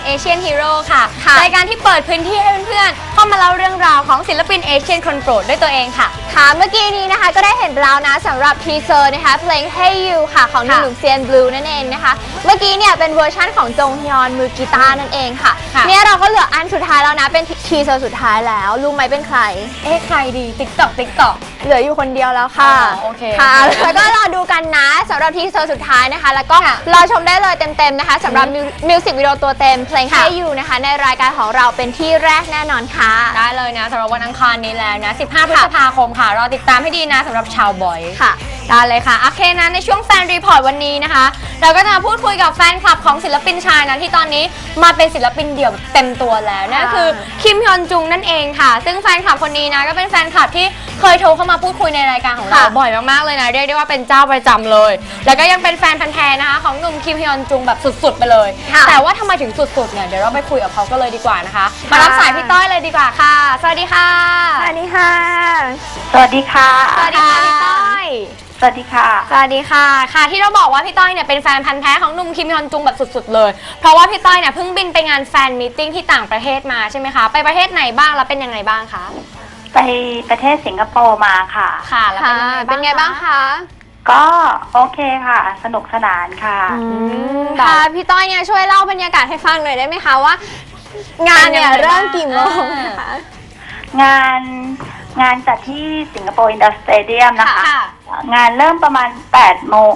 Asian Hero ค่ะรายการที่เปิดพื้นที่ให้เพื่อนๆเข้ามาเล่าเรื่องราวของศิลปินเอเชียนคนโปรดด้วยตัวเองค่ะเมื่อกี้นี้นะคะก็ได้เห็นแล้วนะสำหรับทีเซอร์นะคะเพลง Hey You ค่ะของหนุ่มเซียนบลูนั่นเองนะคะเมื่อกี้เนี่ยเป็นเวอร์ชั่นของจงฮยอนมือกีตาร์นั่นเองค่ะเนี่ยเราก็เหลืออันสุดท้ายแล้วนะเป็นทีเซอร์สุดท้ายแล้วรู้ไหมเป็นใครใครดี TikTok เหลืออยู่คนเดียวแล้วค่ะโอเคค่ะแล้วก็รอดูกันนะสำหรับทีเซอร์สุดท้ายนะคะแล้วก็รอชมได้เลยเต็มๆนะคะสำหรับมิวสิกวิดีโอตัวเต็มเพลง Hey You นะคะในรายการของเราเป็นที่แรกแน่นอนค่ะได้เลยนะสำหรับวันอังคารนี้แล้วนะ15 พฤษภาคมค่ะรอติดตามให้ดีนะสำหรับชาวบอยค่ะได้เลยค่ะโอเคนะในช่วงแฟนรีพอร์ตวันนี้นะคะเราก็จะมาพูดคุยกับแฟนคลับของศิลปินชายนะที่ตอนนี้มาเป็นศิลปินเดี่ยวเต็มตัวแล้วนั่นคือคิมฮยอนจุงนั่นเองค่ะซึ่งแฟนคลับคนนี้นะก็เป็นแฟนคลับที่เคยโทรเข้ามาพูดคุยในรายการของเราบ่อยมากๆเลยนะเรียกได้ว่าเป็นเจ้าประจำเลยแล้วก็ยังเป็นแฟนพันธุ์แท้นะคะของหนุ่มคิมฮยอนจุงแบบสุดๆไปเลยแต่ว่าทำไมถึงสุดๆเนี่ยเดี๋ยวเราไปคุยกับเขาก็เลยดีกว่านะคะมารับสายพี่ต้อยเลยดีกว่าค่ะสวัสดีค่ะสวัสดีค่ะสวัสดีค่ะสวัสดีค่ะพี่ต้อยสวัสดีค่ะสวัสดีค่ะค่ะที่เราบอกว่าพี่ต้อยเนี่ยเป็นแฟนพันธุ์แท้ของหนุ่มคิมฮยอนจุงแบบสุดๆเลยเพราะว่าพี่ต้อยเนี่ยเพิ่งบินไปงานแฟนมีตติ้งที่ต่างประเทศมาใช่ไหมคะไปประเทศไหนบ้างแล้วเป็นยังไงบ้างคะไปประเทศสิงคโปร์มาค่ะค่ะแล้วเป็นไงบ้างคะก็โอเคค่ะสนุกสนานค่ะค่ะพี่ต้อยเนี่ยช่วยเล่าบรรยากาศให้ฟังหน่อยได้ไหมคะว่างานเนี่ยเริ่มกี่โมงคะงานจัดที่สิงคโปร์อินดัสสเตเดียมนะคะงานเริ่มประมาณ8 โมง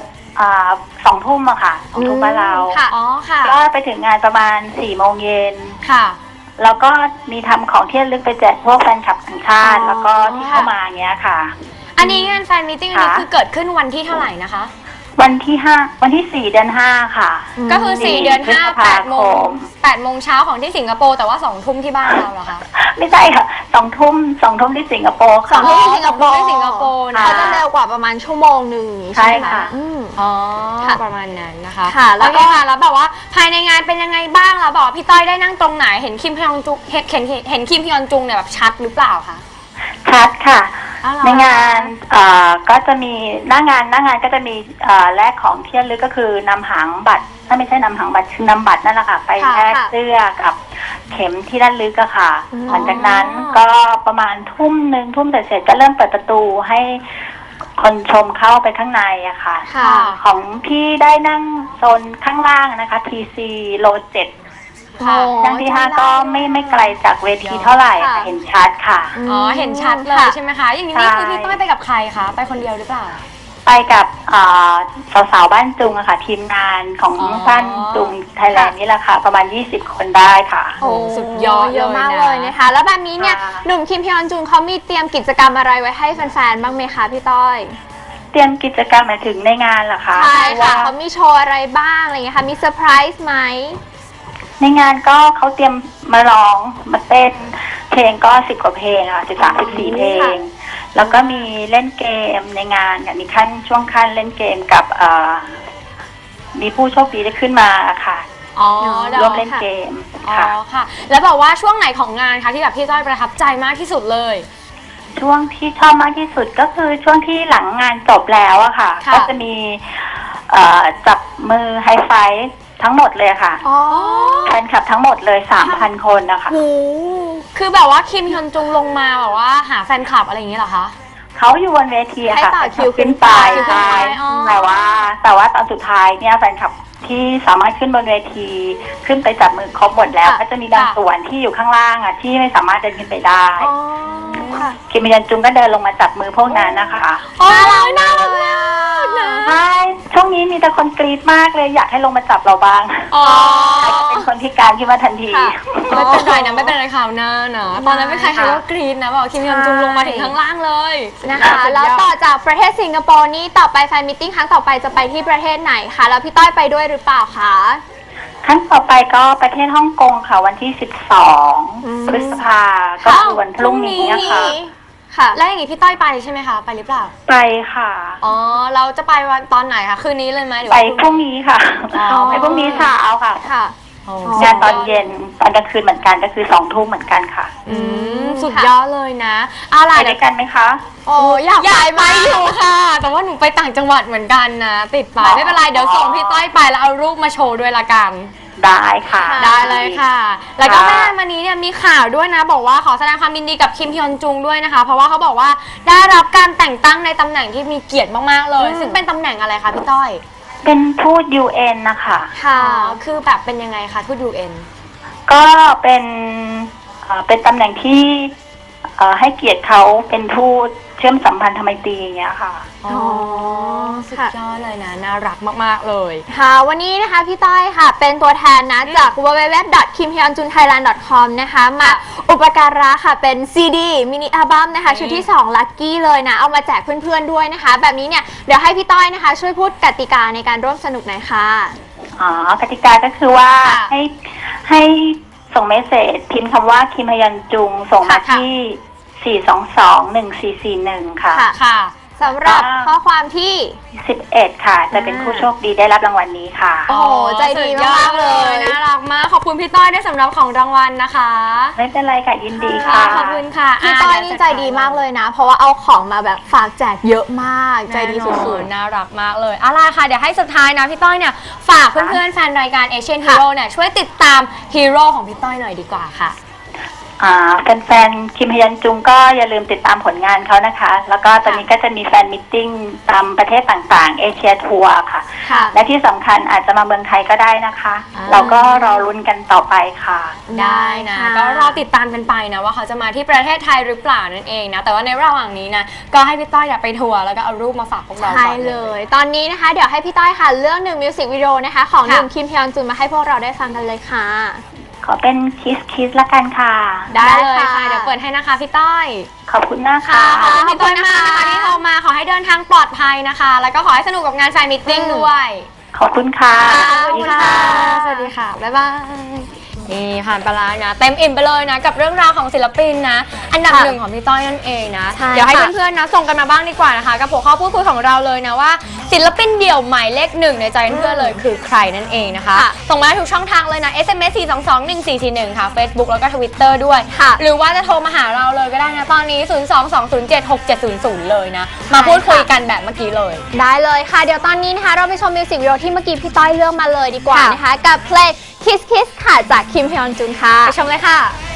2 ทุ่มอะค่ะ2 ทุ่มบ้านเราก็ไปถึงงานประมาณ4 โมงเย็นค่ะแล้วก็มีทำของที่ระลึกไปแจกพวกแฟนคลับต่างชาติแล้วก็ที่เข้ามาเงี้ยค่ะอันนี้งานแฟนมีตติ้งอันนี้คือเกิดขึ้นวันที่เท่าไหร่นะคะวันที่4 เดือน 5ค่ะก็คือ4 เดือน 5 8 โมงเช้าของที่สิงคโปร์แต่ว่า2 ทุ่มที่บ้านเราเหรอคะไม่ใช่ค่ะ2 ทุ่มที่สิงคโปร์ 2 ทุ่มที่สิงคโปร์นะเขาจะเร็วกว่าประมาณชั่วโมงนึงใช่ค่ะอ๋อประมาณนั้นนะคะค่ะแล้วก็แล้วแบบว่าภายในงานเป็นยังไงบ้างแล้วบอกพี่ต้อยได้นั่งตรงไหนเห็นคิมฮยอนจุงเห็นคิมฮยอนจุงเนี่ยแบบชัดหรือเปล่าคะชัดค่ะในงานก็จะมีหน้างานก็จะมีแลกของที่ระลึกก็คือนำหางบัตรถ้าไม่ใช่นำหางบัตรคือนำบัตรนั่นแหละค่ะไปแลกเสื้อกับเข็มที่ระลึกอะค่ะหลังจากนั้นก็ประมาณทุ่มเสร็จก็เริ่มเปิดประตูให้คนชมเข้าไปข้างในอะค่ะของพี่ได้นั่งโซนข้างล่างนะคะ TC โล 7นั่งที่5ก็ไม่ไกลจากเวทีเท่าไหร่เห็นชัดค่ะเห็นชัดเลยใช่ไหมคะอย่างนี้คือพี่ต้อยไปกับใครคะไปคนเดียวหรือเปล่าไปกับสาวๆบ้านจุงอะค่ะทีมงานของบ้านจุงไทยแลนด์นี่แหละค่ะประมาณ20 คนได้ค่ะโอ้สุดยอดเยอะมากเลยนะคะแล้วแบบนี้เนี่ยหนุ่มคิมฮยอนจุงเขามีเตรียมกิจกรรมอะไรไว้ให้แฟนๆบ้างไหมคะพี่ต้อยเตรียมกิจกรรมหมายถึงในงานเหรอคะใช่ค่ะเขามีโชว์อะไรบ้างอะไรเงี้ยค่ะมีเซอร์ไพรส์ไหมในงานก็เขาเตรียมมาร้องมาเต้นเพลงก็10 กว่าเพลงค่ะ13-14 เพลงแล้วก็มีเล่นเกมในงานมีช่วงขั้นเล่นเกมกับมีผู้โชคดีได้ขึ้นมาค่ะร่วมเล่นเกมค่ะแล้วบอกว่าช่วงไหนของงานคะที่แบบพี่ต้อยประทับใจมากที่สุดเลยช่วงที่ชอบมากที่สุดก็คือช่วงที่หลังงานจบแล้วอะค่ะก็จะมีจับมือไฮไฟว์ทั้งหมดเลยค่ะแฟนคลับทั้งหมดเลย 3,000 คนนะคะคือแบบว่าคิมฮยอนจุงลงมาแบบว่าหาแฟนคลับอะไรอย่างนี้เหรอคะเขาอยู่บนเวทีค่ะให้ต่อคิวขึ้นไปใช่แต่ว่าตอนสุดท้ายเนี่ยแฟนคลับที่สามารถขึ้นบนเวทีขึ้นไปจับมือครบหมดแล้วก็จะมีบางส่วนที่อยู่ข้างล่างอ่ะที่ไม่สามารถเดินขึ้นไปได้คิมฮยอนจุงก็เดินลงมาจับมือพวกนั้นนะคะน่ารักมากใช่ช่วงนี้มีแต่คนกรี๊ดมากเลยอยากให้ลงมาจับเราบ้างเป็นคนพิการขึ้นมาทันทีไม่เป็นไรนะไม่เป็นไรข่าวหน้านะตอนนั้นไม่ใครก็กรี๊ดนะบอกคิมฮยอนจุงลงมาถึงข้างล่างเลยนะคะแล้วต่อจากประเทศสิงคโปร์นี่ต่อไปแฟนมีตติ้งครั้งต่อไปจะไปที่ประเทศไหนคะแล้วพี่ต้อยไปด้วยหรือเปล่าคะครั้งต่อไปก็ประเทศฮ่องกงค่ะวันที่12 พฤษภาก็คือวันพรุ่งนี้ค่ะแล้วอย่างนี้พี่ต้อยไปใช่ไหมคะไปหรือเปล่าไปค่ะเราจะไปวันตอนไหนคะคืนนี้เลยไหมไปพรุ่งนี้ค่ะไปพรุ่งนี้เช้าค่ะงานตอนเย็นตอนกลางคืนเหมือนกันก็คือ2 ทุ่มเหมือนกันค่ะสุดยอดเลยนะอะไรด้วยกันไหมคะอยากไปอยู่ค่ะแต่ว่าหนูไปต่างจังหวัดเหมือนกันนะติดไปไม่เป็นไรเดี๋ยวส่งพี่ต้อยไปแล้วเอารูปมาโชว์ด้วยละกันได้ค่ะได้เลยค่ะ แล้วก็ไม่นานมานี้เนี่ยมีข่าวด้วยนะ บอกว่าขอแสดงความยินดีกับคิมฮยอนจุงด้วยนะคะ เพราะว่าเขาบอกว่าได้รับการแต่งตั้งในตำแหน่งที่มีเกียรติมากๆเลย ซึ่งเป็นตำแหน่งอะไรคะพี่ต้อยเป็นทูต UN นะคะค่ะคือแบบเป็นยังไงคะทูต UN ก็เป็นตำแหน่งที่ให้เกียรติเขาเป็นทูตเชื่อมสัมพันธไมตรีอย่างเงี้ยค่ะอ๋อสุดยอดเลยนะน่ารักมากๆเลยค่ะวันนี้นะคะพี่ต้อยค่ะเป็นตัวแทนนะจาก www.kimhyunjunthailand.com นะคะมาอุปการะค่ะเป็น CD มินิอัลบั้มนะคะชุดที่2 Lucky เลยนะเอามาแจกเพื่อนๆด้วยนะคะ แบบนี้เนี่ยเดี๋ยวให้พี่ต้อยนะคะช่วยพูดกติกาในการร่วมสนุกหน่อยค่ะกติกาก็คือว่าค่ะให้ส่งเมสเสจพิมพ์คำว่าคิมฮยอนจุงส่งมาที่ 422-1441 ค่ะค่ะสำหรับข้อความที่ 11 ค่ะ จะเป็นผู้โชคดีได้รับรางวัลนี้ค่ะโอ้โหใจดีมากๆเลยน่ารักมากขอบคุณพี่ต้อยด้วยสำหรับของรางวัลนะคะไม่เป็นไรค่ะยินดีค่ะขอบคุณค่ะพี่ต้อยนี่ใจดีมากเลยนะ เพราะว่าเอาของมาแบบฝากแจกเยอะมากใจดีสุดๆน่ารักมากเลยอะไรค่ะเดี๋ยวให้สุดท้ายนะพี่ต้อยเนี่ยฝากเพื่อนๆแฟนรายการ Asian Hero เนี่ยช่วยติดตามฮีโร่ของพี่ต้อยหน่อยดีกว่าค่ะแฟนๆคิมฮยอนจุงก็อย่าลืมติดตามผลงานเขานะคะ แล้วก็ตอนนี้ก็จะมีแฟนมิทติ้งตามประเทศต่างๆเอเชียทัวร์ค่ะค่ะและที่สำคัญอาจจะมาเมืองไทยก็ได้นะคะ เราก็รอลุ้นกันต่อไปค่ะได้นะค่ะก็รอติดตามกันไปนะว่าเขาจะมาที่ประเทศไทยหรือเปล่านั่นเองนะแต่ว่าในระหว่างนี้นะก็ให้พี่ต้อยไปทัวร์แล้วก็เอารูปมาฝากพวกเราใช่ก่อนเลย ตอนนี้นะคะ เดี๋ยวให้พี่ต้อยค่ะเลือก1มิวสิกวิดีโอนะคะของหนุ่มคิมฮยอนจุนมาให้พวกเราได้ฟังกันเลยค่ะขอเป็นคิสละกันค่ะได้เลยได้ค่ะค่ะเดี๋ยวเปิดให้นะคะพี่ต้อยขอบคุณมากค่ะขอบคุณพี่ต้อยมากนะคะที่โทรมาขอให้เดินทางปลอดภัยนะคะ แล้วก็ขอให้สนุกกับงานแฟนมิทติ้งด้วยขอบคุณค่ะขอบคุณค่ะสวัสดีค่ะบ๊ายบายนี่ผ่านไปแล้วนะเต็มอิ่มไปเลยนะกับเรื่องราวของศิลปินนะอันดับค่ะหนึ่งของพี่ต้อยนั่นเองนะใช่เดี๋ยวให้ค่ะเพื่อนๆนะส่งกันมาบ้างดีกว่านะคะกับหัวข้อพูดคุยของเราเลยนะว่าศิลปินเดี่ยวหมายเลขหนึ่งในใจเพื่อนๆเลยคือใครนั่นเองนะคะค่ะส่งมาได้ทุกช่องทางเลยนะ SMS 4221441 ค่ะ Facebook แล้วก็ Twitter ด้วยค่ะหรือว่าจะโทรมาหาเราเลยก็ได้นะตอนนี้ 022076700 เลยนะมาพูดคุยกันแบบเมื่อกี้เลยได้เลยค่ะ เดี๋ยวตอนนี้นะคะ เราไปชมมิวสิกวิดีโอที่เมื่อกี้พี่ต้อยเลือกมาเลยดีกว่าค่ะนะคะ กับเพลง Kiss Kiss ค่ะจากคิมฮยอนจุนค่ะไปชมเลยค่ะ